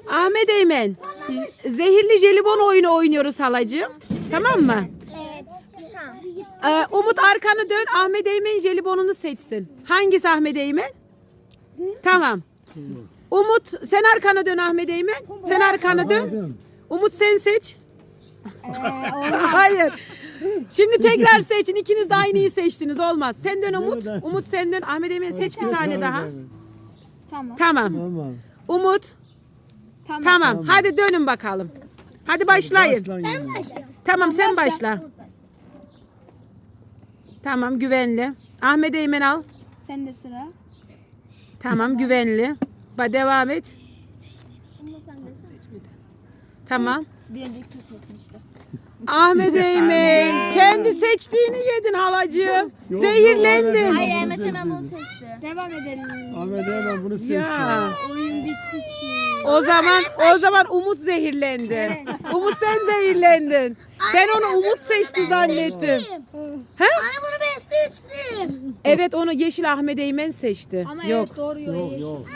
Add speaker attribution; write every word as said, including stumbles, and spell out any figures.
Speaker 1: Ahmet Eymen. z- Zehirli jelibon oyunu oynuyoruz halacığım. Tamam mı?
Speaker 2: Evet. Tamam.
Speaker 1: Ee, Umut arkanı dön. Ahmet Eymen jelibonunu seçsin. Hangisi Ahmet Eymen? Tamam. Umut sen arkanı dön Ahmet Eymen. Sen arkanı dön. Umut sen seç. Hayır. Şimdi tekrar seçin. İkiniz de aynıyı seçtiniz. Olmaz. Sen dön Umut. Umut sen dön. Ahmet Eymen seç bir tane daha.
Speaker 2: Tamam.
Speaker 1: Tamam.
Speaker 3: Tamam.
Speaker 1: Umut.
Speaker 2: Tamam.
Speaker 1: Tamam. Hadi dönün bakalım. Hadi başlayın.
Speaker 2: Ben başlıyorum.
Speaker 1: Tamam sen başla. Tamam güvenli. Ahmet Eymen al.
Speaker 2: Sen de sıra.
Speaker 1: Tamam güvenli. Ba devam et. Tamam.
Speaker 2: Bir önceki tur seçmişti.
Speaker 1: Ahmet Eymen kendi seçtiğini yedin halacığım.
Speaker 3: Yok,
Speaker 1: Zehirlendin.
Speaker 3: yok,
Speaker 2: Hayır
Speaker 3: Bunu
Speaker 2: Ahmet hemen
Speaker 3: seçti.
Speaker 2: bunu seçti. Devam edelim.
Speaker 3: Ahmet hemen bunu seçti.
Speaker 1: Ya.
Speaker 2: Oyun bitti ki.
Speaker 1: O zaman o zaman Umut zehirlendi. Umut sen zehirlendin. Ben onu Umut seçti zannettim. He?
Speaker 2: Anne bunu ben seçtim.
Speaker 1: Evet onu Yeşil Ahmet Eymen seçti.
Speaker 2: Ama
Speaker 1: Yok.
Speaker 2: evet doğru
Speaker 3: Yok yok.